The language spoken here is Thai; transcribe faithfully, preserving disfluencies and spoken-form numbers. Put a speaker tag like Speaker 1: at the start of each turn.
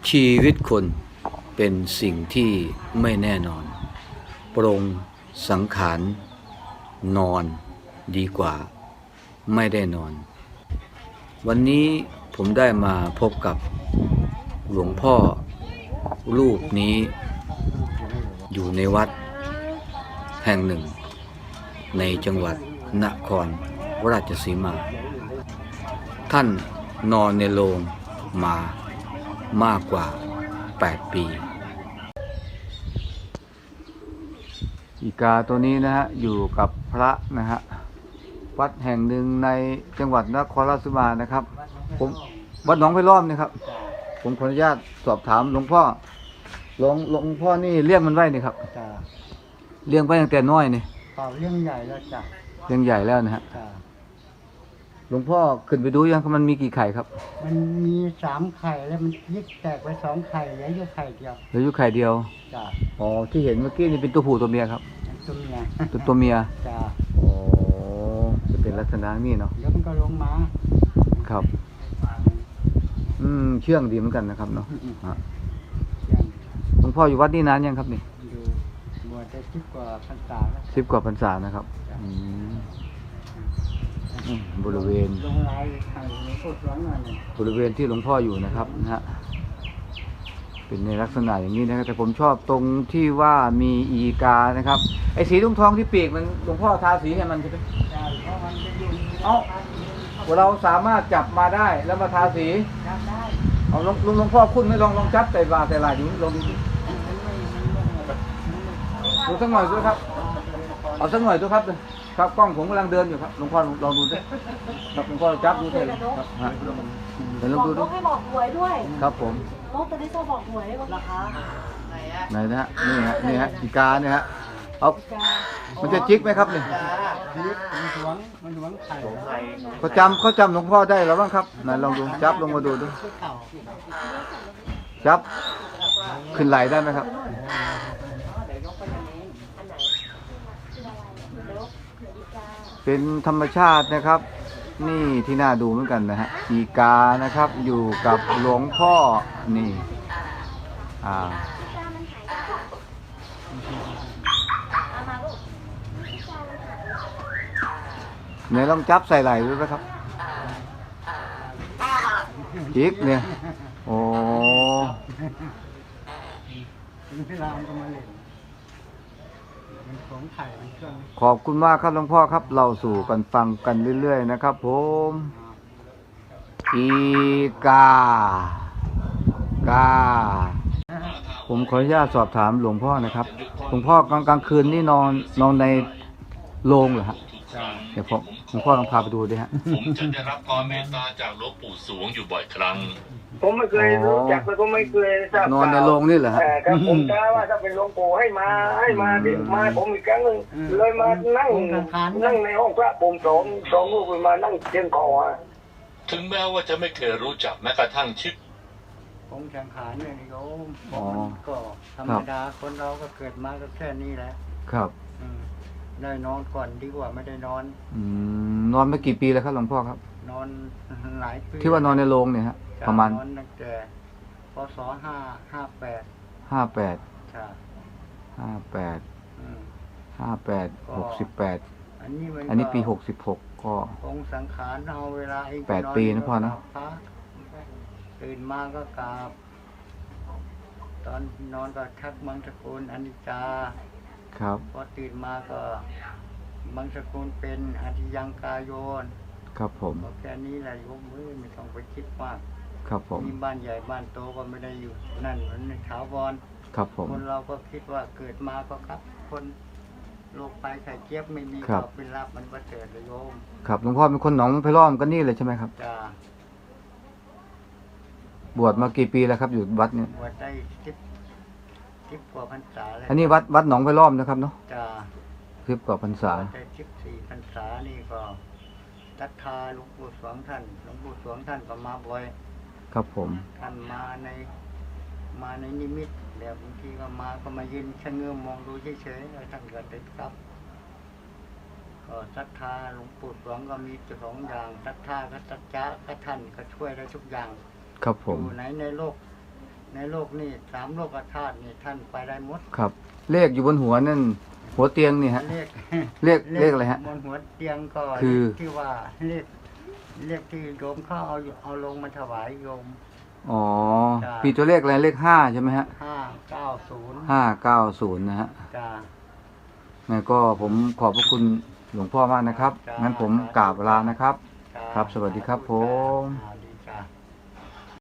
Speaker 1: ชีวิตคนเป็นสิ่งที่ไม่แน่นอนปรงสังขารนอนดีกว่าไม่ได้นอน วันนี้ผมได้มาพบกับหลวงพ่อรูปนี้อยู่ในวัดแห่งหนึ่งในจังหวัดนครราชสีมา ท่านนอนในโรงมามากกว่าแปดปีอีกาตัวนี้นะฮะอยู่กับพระนะฮะวัดแห่งหนึ่งในจังหวัดนครราชสีมานะครับผมวัดหนองไผ่ล้อมนะครับผมขออนุญาตสอบถามหลวงพ่อหลวงหลวงพ่อนี่เลี้ยงมันไว้นี่ครับ
Speaker 2: จ้า
Speaker 1: เลี้ยงไว้ตั้งแต่น้อยนี่
Speaker 2: เปล่าเลี้ยงใหญ่แล้วจ้ะ
Speaker 1: เลี้ยงใหญ่แล้วนะฮะ
Speaker 2: จ้า
Speaker 1: หลวงพ่อขึ้นไปดูยังมันมีกี่ไข่ครับ
Speaker 2: มันมีสามไข่แล้วมันยิกแตกไปสองไข่เหลืออยู่ไข่เดียว
Speaker 1: เหลืออยู่ไข่เดียว
Speaker 2: จ้า
Speaker 1: อ๋อที่เห็นเมื่อกี้นี่เป็นตัวผู้ตัวเมียครับ
Speaker 2: ตัวเมีย
Speaker 1: ตัวตัวเมีย
Speaker 2: จ้า
Speaker 1: อ๋อจะเป็นลักษณะนี้เนาะ
Speaker 2: เดี๋ยวมันก็ลงมา
Speaker 1: ครับอืมเชื่องดีเหมือนกันนะครับเนาะหลวงพ่ออยู่วัดนี่นานยังครับนี่
Speaker 2: อยู่บวชได้สิบกว่าพรรษาแล้ว
Speaker 1: สิบกว่าพรรษานะครับอืมบริเวณ
Speaker 2: ลงลายไข่สดร้อนหน่อย
Speaker 1: บริเวณที่หลวงพ่ออยู่นะครับนะฮะเป็นในลักษณะอย่างนี้นะครับแต่ผมชอบตรงที่ว่ามีอีกานะครับไอ้สีทองทองที่ปีกมันหลวงพ่อทาสีให้มันใช่ไหม
Speaker 2: ใช่เพราะมันจะอยู่
Speaker 1: เอ้าเราสามารถจับมาได้แล้วมาทาสี
Speaker 2: จับได้
Speaker 1: เอาลงลุงหลวงพ่อคุณไม่ลองลองจับแต่บาแต่ลายดูลองดูดูสักหน่อยด้วยครับเอาสักหน่อยด้วยครับครับกล้องผมกำลังเดินอยู่ครับหลวงพ่อลองดูด้วยครับหลวงพ่อจับดูเลยครับฮะเดี๋ยวลองดูดู
Speaker 3: ให้บอกหวยด้วย
Speaker 1: ครับผม
Speaker 3: นกตัวนี้จะบอกหวยราคา
Speaker 1: ไหนนะฮะนี่ฮะนี่ฮะอีกาเนี่ยฮะเอามันจะจิกไหมครับนี่
Speaker 2: จิกมันหวงมันหวงไข่
Speaker 1: เขาจำเขาจำหลวงพ่อได้หรือบ้างครับไหนลองดูจับลงมาดูดูจับขึ้นไหลได้ไหมครับเป็นธรรมชาตินะครับนี่ที่น่าดูเหมือนกันนะฮะอีกานะครับอยู่กับหลวงพ่อนี่อ่าเนี่ยลองจับใส่ไหล่ดูนะครับจิกเนี่ยโอ้ขอบคุณมากครับหลวงพ่อครับเราสู่กันฟังกันเรื่อยๆนะครับผมอีกากาผมขออนุญาตสอบถามหลวงพ่อนะครับหลวงพ่อกลางกลางคืนนี่นอนนอนในโรงเหรอฮะเดี๋ยวผมหลวงพ่อลองพาไปดูดิฮะ
Speaker 4: ผมจะได้รับความเมตตาจากหลวงปู่สวงอยู่บ่อยครั้ง
Speaker 5: ผมไม่เคยรู้จักแล้วก็ไม่เคยทราบ
Speaker 1: นอนในโรงนี่เหรอฮะ
Speaker 5: ครับผมกะว่าถ้าเป็นหลวงปู่ให้มาให้มาเดี๋ยวมาผมอีกครั้งหนึ่งเลยมานั่งนั่งในห้องพระผมสองสองลูกมานั่งเชียงคอ
Speaker 4: ถึงแม้ว่าจะไม่เคยรู้จักแม้กระทั่งชื่อ
Speaker 2: ผมสังขารเนี่ยโยมก็ธรรมดาคนเราก็เกิดมาก็แค่นี้แหละ
Speaker 1: ครับ
Speaker 2: ได้นอนก่อนดีกว่าไม่ได้นอน
Speaker 1: อืมนอนมากี่ปีแล้วครับหลวงพ่อครับ
Speaker 2: นอนหลายปี
Speaker 1: ที่ว่านอนในโรงเนี่ยฮะประมาณ
Speaker 2: นอนตั้งแต่พศห้าห้าแปด
Speaker 1: ห้าแปด
Speaker 2: ใช่
Speaker 1: ห้าแปดห้าแปดหกสิบแปด
Speaker 2: อันนี้มัน
Speaker 1: อันนี้ปีหกสิบหกก็
Speaker 2: องค์สังขารเอาเวลาเอง
Speaker 1: แปดปีนะพ่อนะ
Speaker 2: ตื่นมาก็กราบตอนนอนก็ทักมังสกุลอนิจจา
Speaker 1: ครับ
Speaker 2: พอตื่นมาก็มังสกุลเป็นอธิยังกายโยน
Speaker 1: ครับผม
Speaker 2: แค่นี้แหละโยมมือไม่ต้องไปคิดมาก
Speaker 1: ครับผม
Speaker 2: มีบ้านใหญ่บ้านโตก็ไม่ได้อยู่นั่นเหมือนถาวร
Speaker 1: ครับผม
Speaker 2: คนเราก็คิดว่าเกิดมาก็ครับคนโรคภัยไข้เจ็บไม่มีก็เป็นรับมันประเสริฐเลยโยม
Speaker 1: ครับหลวงพ่อเป็นคนหนองไผ่ล้อมกันนี่เลยใช่ไหมครับ
Speaker 2: จ้า
Speaker 1: บวชมากี่ปีแล้วครับอยู่วัดนี้
Speaker 2: บวชได้สิบสิบกว่าพรรษาแล้ว
Speaker 1: อันนี้วัดวัดหนองไผ่ล้อมนะครับเนาะ
Speaker 2: จ้า
Speaker 1: สิบกว่าพรรษา
Speaker 2: ได้สิบสี่พรรษานี่ก็ศรัทธาหลวงปู่สวงท่านหลวงปู่สวงท่านก็มาบ่อย
Speaker 1: ครับผม
Speaker 2: ท่านมาในมาในนิมิตแบบบางทีก็มาก็มายืนชะเง้อมองดูเฉยๆแล้วท่านก็ติดครับก็ศรัทธาหลวงปู่สวงก็มีสองอย่างศรัทธากับสัจจะกับท่านก็ช่วยได้ทุกอย่าง
Speaker 1: ครับผม
Speaker 2: อยู่ไหนในโลกในโลกนี่สามโลกธาตุนี่ท่านไปได้หมด
Speaker 1: ครับ เลขอยู่บนหัวนั่น หัวเตียงนี่ฮะ
Speaker 2: เลข
Speaker 1: เลขเลขอะไรฮะ
Speaker 2: บนหัวเตียงก็
Speaker 1: คือ
Speaker 2: เลขที่ว่าเลขเลขที่โยมเขาเอาเอาลงมาถวายโยม
Speaker 1: อ๋อ
Speaker 2: จ้ะ
Speaker 1: มีตัวเลขอะไรเลขห้าใช่ไหมฮะ
Speaker 2: ห้าเก้าศูนย์
Speaker 1: ห้าเก้าศูนย์นะฮะ
Speaker 2: จ้า
Speaker 1: งั้นก็ผมขอบพระคุณหลวงพ่อมากนะครับ
Speaker 2: จ้ะ
Speaker 1: งั้นผมกราบลานะครับ
Speaker 2: จ้า
Speaker 1: ครับสวัสดีครับผม
Speaker 2: อ่า